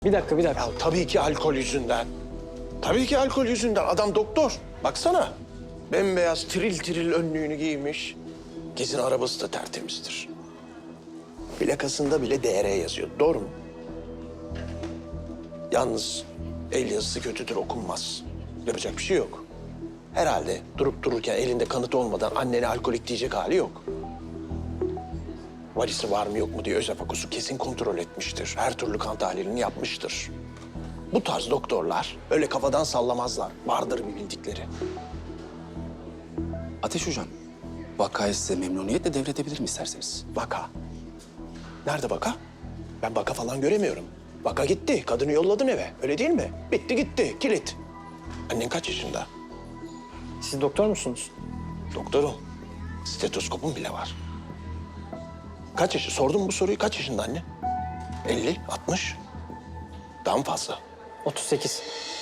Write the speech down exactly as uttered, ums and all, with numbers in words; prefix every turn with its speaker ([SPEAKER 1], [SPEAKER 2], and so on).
[SPEAKER 1] Bir dakika, bir dakika.
[SPEAKER 2] Ya tabii ki alkol yüzünden. Tabii ki alkol yüzünden. Adam doktor. Baksana. Bembeyaz tiril tiril önlüğünü giymiş. Kesin arabası da tertemizdir. Plakasında bile D R yazıyor. Doğru mu? Yalnız el yazısı kötüdür, okunmaz. Yapacak bir şey yok. Herhalde durup dururken elinde kanıt olmadan annene alkolik diyecek hali yok. Valisi var mı yok mu diye Özafakus'u kesin kontrol etmiştir. Her türlü kan tahlilini yapmıştır. Bu tarz doktorlar öyle kafadan sallamazlar. Vardır bir bildikleri.
[SPEAKER 3] Ateş Hocam, vakayı size memnuniyetle devredebilirim isterseniz.
[SPEAKER 2] Vaka. Nerede vaka? Ben vaka falan göremiyorum. Vaka gitti. Kadını yolladım eve. Öyle değil mi? Bitti gitti. Kilit. Annen kaç yaşında?
[SPEAKER 1] Siz doktor musunuz?
[SPEAKER 2] Doktorum. Stetoskopum bile var. Kaç yaşı? Sordum bu soruyu. Kaç yaşında anne? elli, altmış. Daha mı fazla?
[SPEAKER 1] otuz sekiz.